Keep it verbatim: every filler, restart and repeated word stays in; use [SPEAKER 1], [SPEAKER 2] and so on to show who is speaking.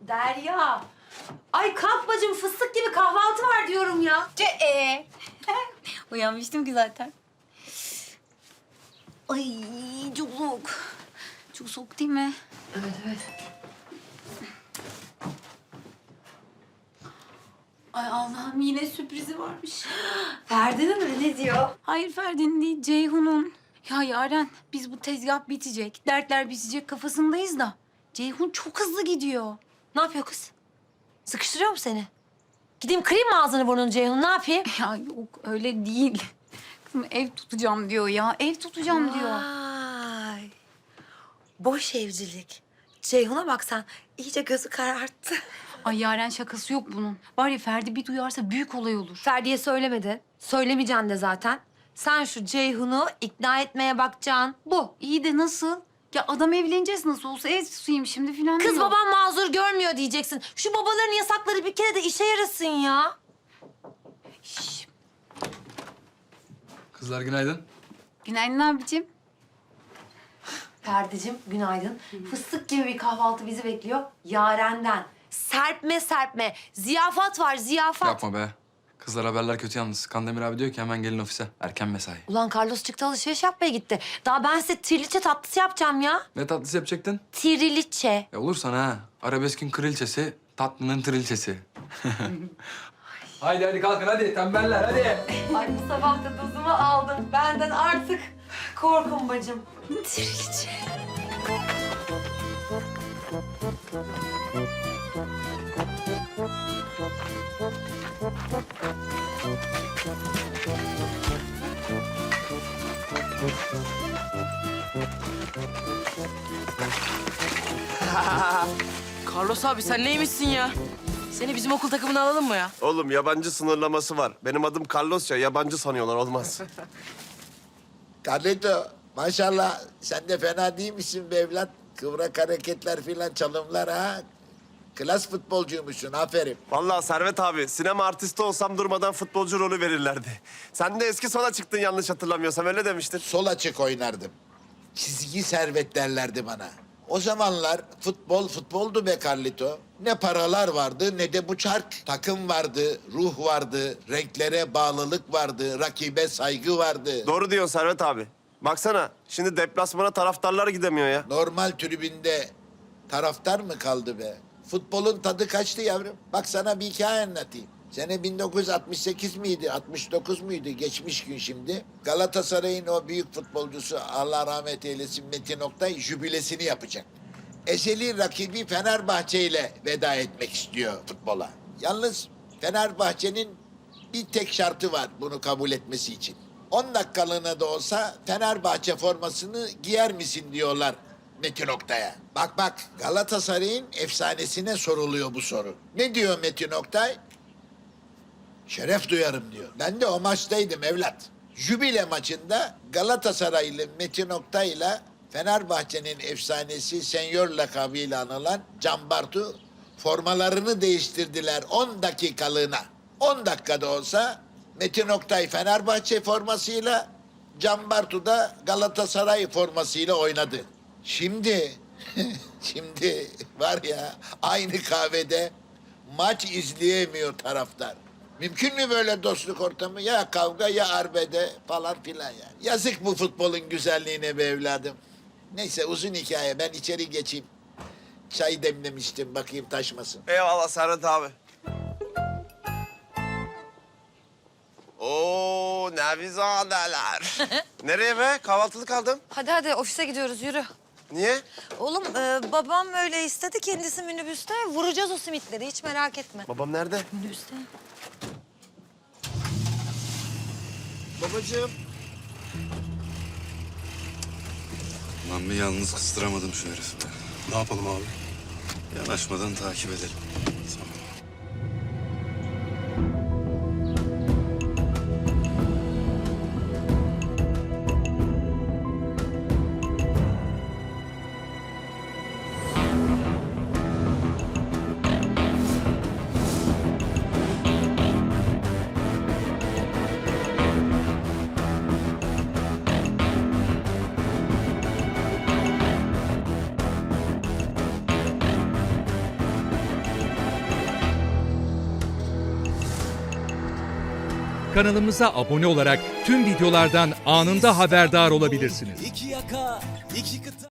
[SPEAKER 1] Derya. Ay kalk bacım, fıstık gibi kahvaltı var diyorum ya.
[SPEAKER 2] Ce e. Uyanmıştım ki zaten. Ay çok soğuk. Çok soğuk değil mi?
[SPEAKER 1] Evet evet.
[SPEAKER 2] Ay Allah'ım yine sürprizi varmış.
[SPEAKER 1] Ferdi'nin mi? Ne diyor?
[SPEAKER 2] Hayır Ferdi'nin değil, Ceyhun'un. Ya Yaren, biz bu tezgah bitecek, dertler bitecek kafasındayız da... Ceyhun çok hızlı gidiyor.
[SPEAKER 1] Ne yapıyor kız? Sıkıştırıyor mu seni? Gideyim kırayım mı ağzını burnunu Ceyhun, ne yapayım?
[SPEAKER 2] Ya yok öyle değil. Kızım ev tutacağım diyor ya, ev tutacağım diyor.
[SPEAKER 1] Vay. Boş evcilik. Ceyhun'a bak sen, iyice gözü kararttı.
[SPEAKER 2] Ay Yaren şakası yok bunun. Var ya Ferdi bir duyarsa büyük olay olur.
[SPEAKER 1] Ferdi'ye söylemedin. Söylemeyeceksin de zaten. Sen şu Ceyhun'u ikna etmeye bakacaksın. Bu.
[SPEAKER 2] İyi de nasıl? Ya adam evleneceğiz nasıl olsa ev tutayım şimdi falan
[SPEAKER 1] Kız
[SPEAKER 2] diyor.
[SPEAKER 1] babam mazur görmüyor diyeceksin. Şu babaların yasakları bir kere de işe yarasın ya.
[SPEAKER 2] Şş,
[SPEAKER 3] Kızlar günaydın.
[SPEAKER 2] günaydın abicim.
[SPEAKER 1] Ferdi'cim günaydın. Fıstık gibi bir kahvaltı bizi bekliyor. Yaren'den. Serpme serpme. Ziyafat var ziyafat.
[SPEAKER 3] Yapma be. Kızlar haberler kötü yalnız. Kandemir abi diyor ki hemen gelin ofise. Erken mesai.
[SPEAKER 1] Ulan Carlos çıktı alışveriş yapmaya gitti. Daha ben size triliçe tatlısı yapacağım ya.
[SPEAKER 3] Ne tatlısı yapacaktın?
[SPEAKER 1] Triliçe.
[SPEAKER 3] Ya olur sana ha. Arabeskin kraliçesi, tatlının trilçesi. Haydi hadi kalkın hadi tembeller hadi.
[SPEAKER 1] Ay bu sabah da dozumu aldım. Benden artık korkun bacım. Triliçe.
[SPEAKER 4] Carlos abi sen neymişsin ya? Seni bizim okul takımına alalım mı ya?
[SPEAKER 5] Oğlum yabancı sınırlaması var. Benim adım Carlos ya, yabancı sanıyorlar, olmaz.
[SPEAKER 6] Carlito, maşallah sen de fena değil misin be evlat? Kıvrak hareketler filan, çalımlar ha. Klas futbolcuymuşsun, aferin.
[SPEAKER 5] Vallahi Servet abi, sinema artisti olsam durmadan futbolcu rolü verirlerdi. Sen de eski sola çıktın yanlış hatırlamıyorsam, öyle demiştin.
[SPEAKER 6] Sol açık oynardım. Çizgi servet derlerdi bana. O zamanlar futbol futboldu be Carlito. Ne paralar vardı ne de bu çark. Takım vardı, ruh vardı, renklere bağlılık vardı, rakibe saygı vardı.
[SPEAKER 5] Doğru diyorsun Servet abi. Baksana, şimdi deplasmana taraftarlar gidemiyor ya.
[SPEAKER 6] Normal tribünde taraftar mı kaldı be? Futbolun tadı kaçtı yavrum. Bak sana bir hikaye anlatayım. Sene bin dokuz yüz altmış sekiz miydi, altmış dokuz muydu? Geçmiş gün şimdi. Galatasaray'ın o büyük futbolcusu, Allah rahmet eylesin, Metin Oktay jübilesini yapacak. Ezeli rakibi Fenerbahçe ile veda etmek istiyor futbola. Yalnız Fenerbahçe'nin bir tek şartı var bunu kabul etmesi için. on dakikalığına da olsa Fenerbahçe formasını giyer misin diyorlar Metin Oktay'a. Bak bak, Galatasaray'ın efsanesine soruluyor bu soru. Ne diyor Metin Oktay? Şeref duyarım diyor. Ben de o maçtaydım evlat. Jübile maçında Galatasaraylı Metin Oktay'la Fenerbahçe'nin efsanesi Senyor lakabıyla anılan Can Bartu formalarını değiştirdiler on dakikalığına. on dakikada olsa Metin Oktay Fenerbahçe formasıyla, Can Bartu da Galatasaray formasıyla oynadı. Şimdi, şimdi var ya aynı kahvede maç izleyemiyor taraftar. Mümkün mü böyle dostluk ortamı? Ya kavga ya arbede falan filan yani. Yazık bu futbolun güzelliğine be evladım. Neyse uzun hikaye, ben içeri geçeyim. Çay demlemiştim, bakayım taşmasın.
[SPEAKER 5] Eyvallah Servet abi. Oo, nevizadeler. Nereye be? Kahvaltılık aldım.
[SPEAKER 7] Hadi hadi ofise gidiyoruz yürü.
[SPEAKER 5] Niye?
[SPEAKER 7] Oğlum e, babam öyle istedi kendisi minibüste. Vuracağız o simitleri hiç merak etme.
[SPEAKER 5] Babam nerede?
[SPEAKER 2] Minibüste.
[SPEAKER 5] Babacığım.
[SPEAKER 8] Lan bir yalnız kıstıramadım şu herifi be.
[SPEAKER 9] Ne yapalım abi?
[SPEAKER 8] Yanaşmadan takip edelim.
[SPEAKER 9] kanalımıza abone olarak tüm videolardan anında haberdar olabilirsiniz.
[SPEAKER 10] İki yaka, iki kıta.